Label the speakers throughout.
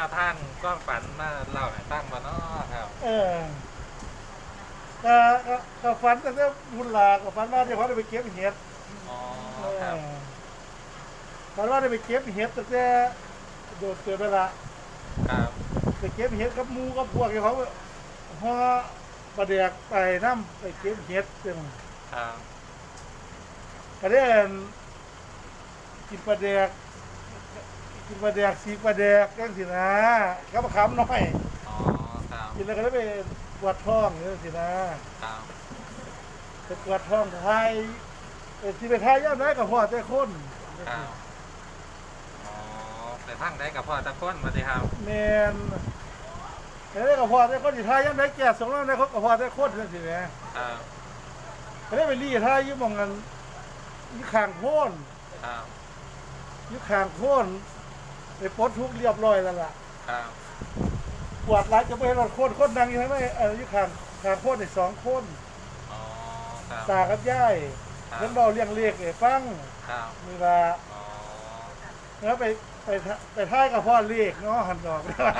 Speaker 1: วทางก็ฝันมาเล่าให้ฟังบ่เนาะครับ
Speaker 2: เออก็ก็ฝันตั้งแต่บุญหลาก็ฝันว่าเดี๋ยวเขาได้ไปเก็บเห็ด
Speaker 1: อ๋อ
Speaker 2: เอ
Speaker 1: ครับ
Speaker 2: อฝันว่าได้ไปเก็บเห็ดตั้งแต่โดดเกิดเวลา
Speaker 1: ครับ
Speaker 2: ไปเก็บเห็ดกับหมูกับพวกเขาห่อปลาแดกไปน้ำไปเก็บเห็ดซึ่ง
Speaker 1: ครับ
Speaker 2: ก็ได้กินปลาแดกกินปลาแดกสีปลาแดกจังสินะกับมะขามน้อย
Speaker 1: อ๋อครับ
Speaker 2: กินแล้วก็ได้ไปปวดท้องจังสินะครับไปปวดท้องไทยที่ไปไทยย่ำได้กับพ่อแต่คน
Speaker 1: ครับอ๋อแต่ทางได้กับพ่อตะก้นมาสิครับ
Speaker 2: แมนแต่ได้กับพ่อแต่คนที่ไทยย่ำได้แก่สองร้อยได้เขากับพ่อแต่คนจังสินะครับก็ได้ไปรีไทยยุ่งมองกันยี่ขางโค่น
Speaker 1: ครับ
Speaker 2: ยี่ขางโค่นไปปลดทุกเรียบร้อยแล้วล่ะ
Speaker 1: ครับ
Speaker 2: ปวดหลายจะไปรถโค่นดังอยู่ทั้งนั้นยี่ขางโค่นในสองโค่น
Speaker 1: อ๋อครับ
Speaker 2: ตากับย่ายเรื่องเบาเลี้ยงเล็กฟัง
Speaker 1: ครับ
Speaker 2: มีว่า
Speaker 1: อ๋อ
Speaker 2: แล้วไปท้ายกับพ่อเล็กเนาะหันดอก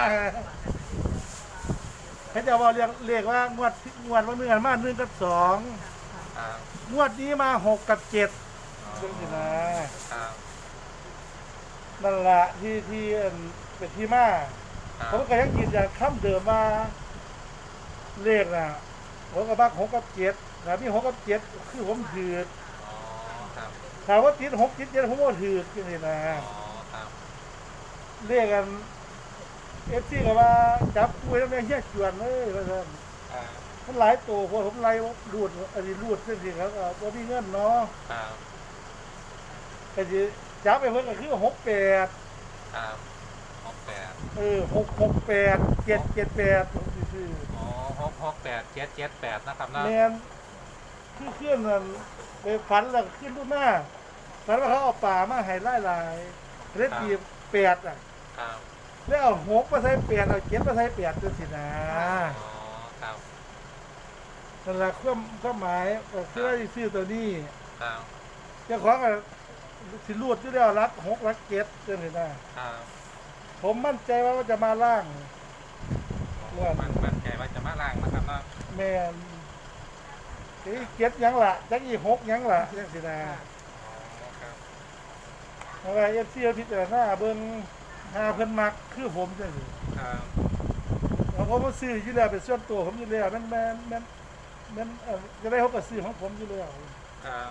Speaker 2: เขาจะว่าเรียกว่างวดว่าเนื้อมา1 กับ 2
Speaker 1: ครับ
Speaker 2: งวดนี้มา6 กับ 7
Speaker 1: อ๋อ
Speaker 2: เรื่องนี้นะครับนั่นละที่เป็นที่มาผมก็ยังยืนยันคำเดิมว่าเลขน่ะผมกับบ้า6 กับ 7นะมี6 กับ 7คือผมถือ
Speaker 1: อ๋อครับ
Speaker 2: ถามว่าติด6 ติด 7ผมก็ถืออย่างนี้นะ
Speaker 1: อ๋อครับ
Speaker 2: เลขกันFCก็ว่าจับคุยแล้วแม่เฮี้ยจวนเลยว่าซั่น
Speaker 1: อ่า
Speaker 2: มันหลายตัวพอผมไล่รูดอันนี้รูดเส้นสิครับว่ามีเงินเนาะ
Speaker 1: ครับ
Speaker 2: ก็สิจับไปเพิ่นก็คือ68
Speaker 1: ครับ68
Speaker 2: 668 778ซื่อ
Speaker 1: อ๋อ668 778นะครับเนาะ
Speaker 2: แม่นคือเคลื่อนนั่นไปฝันแล้วขึ้นรุ่นหน้าฝันว่าเขาเอาป่ามาให้หลายๆเล็ดตี8อ่ะ
Speaker 1: ครับ
Speaker 2: แล้วเอา6มาใส่8เอา7มาใส่8จังซี่นะ
Speaker 1: อ๋อครับ
Speaker 2: นั่นล่ะความหมายก็คือว่าสิซื้อตัวนี้
Speaker 1: ครับ
Speaker 2: เจ้าของก็สิรูดอยู่แล้วรัก6รัก7จังซี่นะครับผมมั่นใจว่ามันจะมาล่าง
Speaker 1: มันใจว่าจะมาล่างนะครับเนาะ
Speaker 2: แม่นอี7ยังล่ะจักอี6ยังล่ะจังซี่นะ
Speaker 1: อ๋อครับ
Speaker 2: เพราะว่า FC พิจารณาเบิ่งหาเพิ่นมักคือผมจังซี่
Speaker 1: ครับ
Speaker 2: แล้วผมก็ซื้ออยู่แล้วเป็นส่วนตัวผมอยู่แล้วมันจะได้เขาก็ซื้อของผมอยู่แล้ว
Speaker 1: ครับ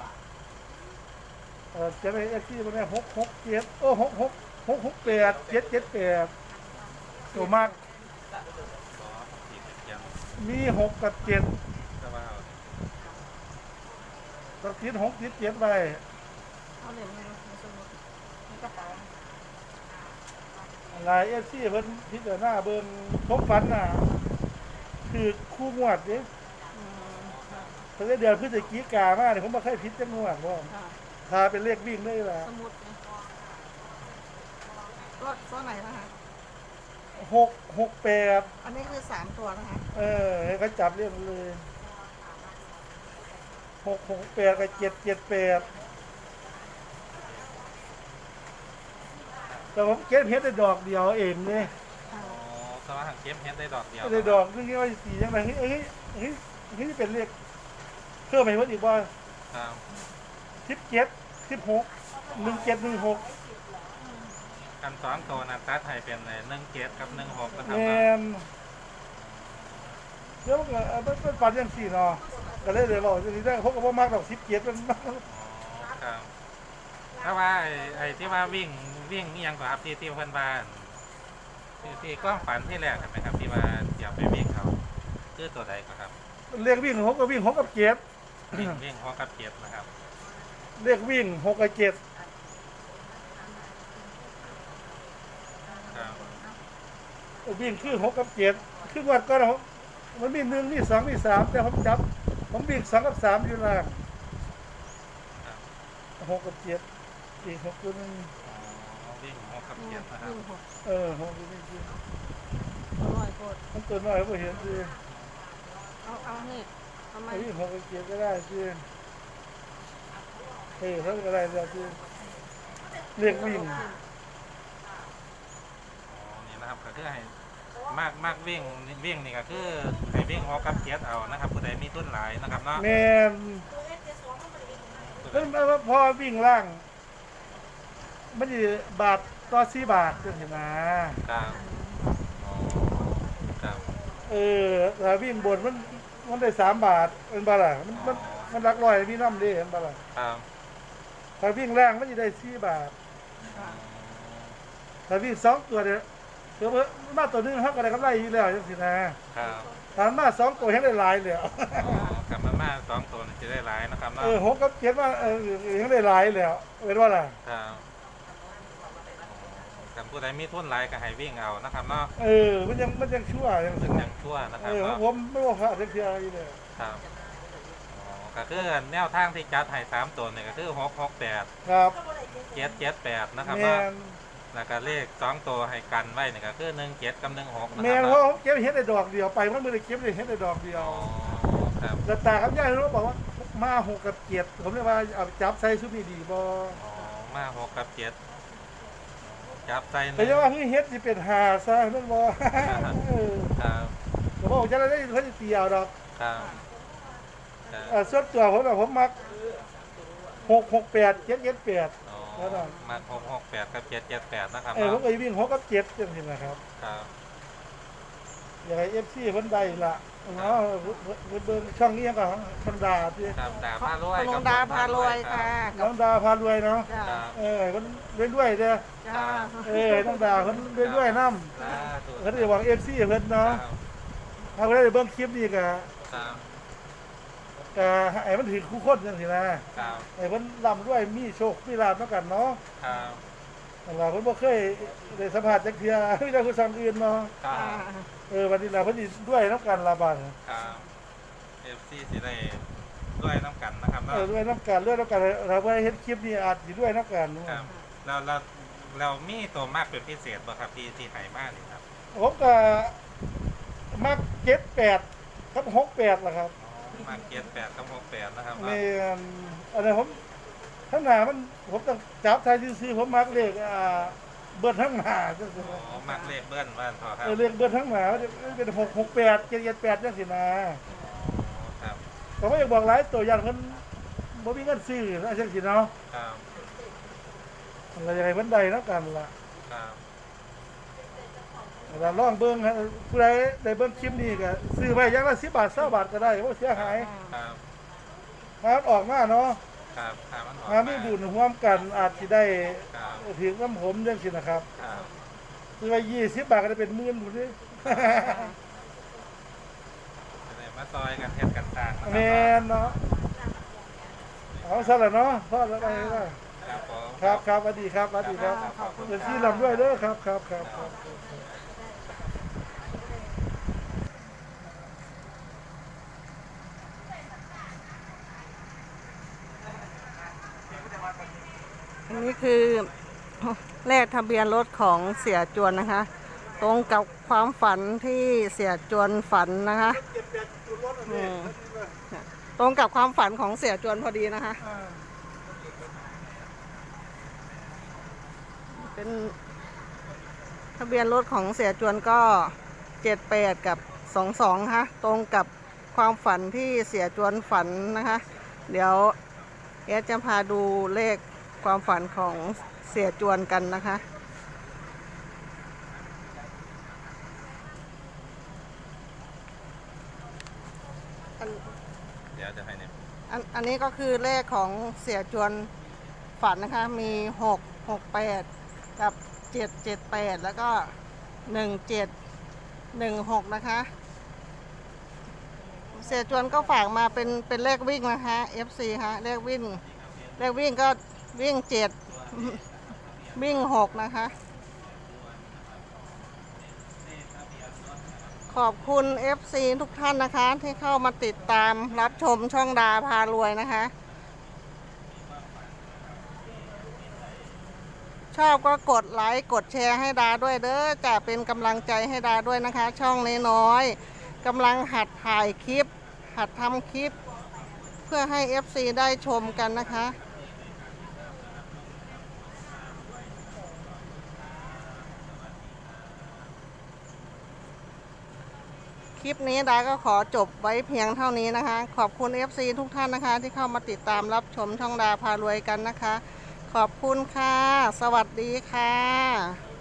Speaker 2: จะได้FC บ่ได้667โอ้668 778ตัวมาก
Speaker 1: ขอผิดยัง
Speaker 2: มี6 กับ 7
Speaker 1: จะว่า
Speaker 2: ต้องติด6ติด7ไป
Speaker 3: เอาเหรียญมาในสมุดในกระเป๋า
Speaker 2: หลาย FC เพิ่นพิจารณาเบิ่งผมฝันน่ะคือคู่งวดนี่
Speaker 3: อืมค่ะ
Speaker 2: เพิ่นเดือนพฤศจิกายนมาเนี่ยผมบ่เคยผิดจักงวดบ่
Speaker 3: ค่ะ
Speaker 2: ถ้าเป็นเลขวิ่งได้ล่ะ
Speaker 3: สมุดเนี่ยตัวไหนนะคะ
Speaker 2: 668
Speaker 3: อันนี้คือ3 ตัวนะคะ
Speaker 2: ให้เขาจับเรื่องเลย668กับ778แต่ผมเก็บเฮ็ดได้ดอกเดียวเองนี่
Speaker 3: ค่ะ
Speaker 1: อ๋อสมาหังเกมเฮดได้ดอกเดียว
Speaker 2: ได้ดอกนึงว่าสีจังได๋เฮ้ยเป็นเลขเพิ่มไปเพิ่นอีกว่า
Speaker 1: ครับ
Speaker 2: 17 16 1716
Speaker 1: กัน2ตัวนะตัดให้เป็น17กับ16นะครับ
Speaker 2: แม่นเดี๋ยวก็มันฝันจังซี่เนาะก็เลยเว้าจังซี่ได้ผมก็บ่มักดอก17มัน
Speaker 1: อ๋อครับถ้าว่าไอ้ที่ว่าวิ่งนี่ยังกว่าครับที่เพื่อนบ้านที่กล้องฝันที่แรกใช่ไหมครับที่ว่าเดี๋ยวไปวิ่งเขาชื่อตัวใดครับ
Speaker 2: เลขวิ่ง6ก็วิ่ง6กับ7
Speaker 1: วิ่ง6 กับ 7นะครับ
Speaker 2: เลขวิ่ง6กับ7
Speaker 1: ครับ
Speaker 2: วิ่งคือ6กับ7คือวัดก็มันมี1มี2มี3แต่ผมจับผมวิ่ง2กับ3อยู่ล่าง6กับ7อีก6ตัวนึง
Speaker 1: วิ่ง6 กับ 7นะครับ
Speaker 3: วิ่ง6
Speaker 2: 6ตัวนึงคือ
Speaker 3: 100 โกด
Speaker 2: มันตัวน้อยบ่เห็นสิ
Speaker 3: เอานี่ทำไม
Speaker 2: วิ่ง6กับ7ก็ได้สิเท่าก็ได้แล้วสิเรียกวิ่ง
Speaker 1: อ๋อนี่นะครับก็คือให้มากวิ่งนี่ก็คือให้วิ่ง6กับ7เอานะครับผู้ใดมีทุนหลายนะครับเนาะ
Speaker 2: แม่นมันพอวิ่งล่างมันสิบาทต่อ4 บาทจังซี่นะครับ
Speaker 1: อ๋อครับ
Speaker 2: ถ้าวิ่งบนมันได้3 บาทเป็นบ่ล่ะมันหลักร้อยมีน้ำเด้เห็นบ่ล่ะ
Speaker 1: ครับ
Speaker 2: ถ้าวิ่งล่างมันสิได้4 บาทถ้าวิ่ง2 ตัวเนี่ยคือมาตัวหนึงเฮาก็ได้กำไรอยู่แล้วจังซี่นะครับ ถ้ามา2 ตัวเฮ็ดได้หลายแล้ว
Speaker 1: กลับมา2ตัวนี่จะได้หลายนะครับเนาะ
Speaker 2: 6กับ7ว่าเฮ็ดได้หลายแล้วเป็นว่าล่ะ
Speaker 1: ครับกับผู้ใดมีทุนหลายก็ให้วิ่งเอานะครับเนาะ
Speaker 2: มันยังชั่วจัง
Speaker 1: ถึ
Speaker 2: ซี่
Speaker 1: งยังชั่วนะครับเนาะ
Speaker 2: ผมไม่ว่าพลาดจักเที่ยอยู่เลย
Speaker 1: ครับอ๋อก็คือแนวทางที่จัดให้3ตัวนี่ก็คือ668
Speaker 2: ครับ
Speaker 1: 778นะครับ
Speaker 2: แม่
Speaker 1: เนาะ
Speaker 2: น
Speaker 1: แล้วก็เลข2ตัวให้กันไว้นี่ก็คือ17กับ16นะค
Speaker 2: แม่
Speaker 1: รับ
Speaker 2: นเพราะ
Speaker 1: เนาะ
Speaker 2: ผมเก็บเฮ็ดได้ดอกเดียวไปมันบ่ได้เก็บได้เฮ็ดได้ดอกเดียว
Speaker 1: อ๋อครับ
Speaker 2: แล้วตากับยายรู้บอกว่ามา6กับ7ผมเลยว่าเอาจับใส่ชุดนี้ดีบ่
Speaker 1: อ๋อมา6กับ7จับใส่ห
Speaker 2: แต่
Speaker 1: นึ่ง
Speaker 2: จะว่าเฮ็ดสิเป็น5ซะนั่นบ่
Speaker 1: ครับ
Speaker 2: ก็บอกจะได้เพิ่นสิเตียวดอก
Speaker 1: ครับครับ
Speaker 2: ส่วนตัวผมน่ะผมมัก668 778
Speaker 1: อ๋อ
Speaker 2: แล้วก็
Speaker 1: มา668กับ778นะครับ
Speaker 2: ผม
Speaker 1: เนาะ
Speaker 2: ก็วิ่ง6กับ7จังซี่นะครับ
Speaker 1: ครับ
Speaker 2: อยากให้ FC เพิ่นได้ล่ะเนาะเบิ่งช่องนี้ก็ธรรมดาที่
Speaker 1: ครับดาพารวย
Speaker 3: คุณลุงดาพารวยค่ะ
Speaker 2: น้องดาพารวยเนาะ
Speaker 3: จ้า
Speaker 1: ครับ
Speaker 2: เพิ่นรวยๆเด้อ
Speaker 3: จ้า
Speaker 2: น้องดาเพิ่นรวยๆนำ
Speaker 1: สาธุ
Speaker 2: เพิ่นได้หวัง FC เพิ่น
Speaker 1: ครั
Speaker 2: เนาะ
Speaker 1: บ
Speaker 2: ถ้าเพิ่นได้เบิ่งคลิปนี้ก็
Speaker 1: ครับ
Speaker 2: ให้มันถึงคู่คนจังซี่นะครับ ให้เพิ่นร่ำรวยมีโชคมีลาภนำกันเนาะ
Speaker 1: ครับ
Speaker 2: นั่นล่ะเพิ่นบ่เคยได้สัมภาษณ์จักเทื่อมีแต่ผู้สั่งอื่นเนาะ
Speaker 1: ครับ
Speaker 2: วันนี้ล่ะเพิ่นสิรวยนำกันล่ะบัด
Speaker 1: ครับ FC สิได้ด้วยน้ำกันนะครับเนาะ
Speaker 2: รวยนำกันถ้าเพิ่นเฮ็ดคลิปนี้อาจสิรวยนำกัน
Speaker 1: ครับเรามีตัวมากเป็นพิเศษบ่ครับที่ไหมากนี่ครับ
Speaker 2: ผมก็มัก78กับ68ล่ะครับ
Speaker 1: มาก78กับ68นะครับ
Speaker 2: แม่
Speaker 1: เนาะ
Speaker 2: นอันนี้ผมทั้งหน้ามันผมต้องจับทายซื่อๆผมมักเลขเบิดทั้งหน้าจังซี่
Speaker 1: อ๋อมากเลขเบิ้ลว่าพอครับ
Speaker 2: เลขเบิดทั้งหน้ามันจะเป็น668 778จังซี่นะ
Speaker 1: อ๋อครับ
Speaker 2: ก็บ่อยากบอกหลายตัวอย่างเพิ่นบ่มีเงินซื้อนะจังซี่เนาะ
Speaker 1: ครับ
Speaker 2: เราอยากให้เพิ่นได้นำกันล่ะ
Speaker 1: ครับ
Speaker 2: เราลองเบิ่งฮะผู้ใดได้เบิ่งคลิปนี้ก็ซื้อไว้อย่างละ10 บาท20 บาทก็ได้บ่เสียหาย
Speaker 1: ครับ
Speaker 2: ครับออกมาเนาะ
Speaker 1: ครับครับมันออก
Speaker 2: มามีบุญร่วมกันอาจสิได้
Speaker 1: ครับ
Speaker 2: ถึงน้ำผมจังซี่นะครับ
Speaker 1: ครับ
Speaker 2: ซื้อไว้20 บาทก็ได้เป็นหมื่นพุ่นเด้
Speaker 1: จะได้มาซอยกันเฮ็ดกันสร้างนะ
Speaker 2: แม่นเนาะเอาซะละเนาะพอแล้วไปแล้ว
Speaker 1: ครับผม
Speaker 2: ครับสวัสดีครับสวัสดีครับ
Speaker 3: ขอบคุณ
Speaker 2: เป็น
Speaker 3: ค่ะ
Speaker 2: ที่ลำด้วยเด้อครับ
Speaker 3: อันนี้คือเลขทะเบียนรถของเสียจวนนะคะ ตรงกับความฝันที่เสียจวนฝันนะคะอืมตรงกับความฝันของเสียจวนพอดีนะคะ เป็นทะเบียนรถของเสียจวนก็78กับ22ค่ะตรงกับความฝันที่เสียจวนฝันนะคะ เดี๋ยวแอดจะพาดูเลขความฝันของเสียจวนกันนะคะ
Speaker 1: เดี๋ยวจะให้เนี่ย
Speaker 3: อันนี้ก็คือเลขของเสียจวนฝันนะคะ มี668กับ778แล้วก็1716นะคะ เสียจวนก็ฝากมาเป็นเลขวิ่งนะคะ FC ค่ะเลขวิ่งก็วิ่ง7วิ่ง6นะคะ ขอบคุณ FC ทุกท่านนะคะ ที่เข้ามาติดตามรับชมช่องดาพารวยนะคะ ชอบก็กดไลค์กดแชร์ให้ดาด้วยเด้อจะเป็นกำลังใจให้ดาด้วยนะคะ ช่องน้อยๆกำลังหัดถ่ายคลิป หัดทำคลิป เพื่อให้ FC ได้ชมกันนะคะลิปนี้ดาก็ขอจบไว้เพียงเท่านี้นะคะ ขอบคุณ FC ทุกท่านนะคะ ที่เข้ามาติดตามรับชมช่องดาพารวยกันนะคะ ขอบคุณค่ะ สวัสดีค่ะ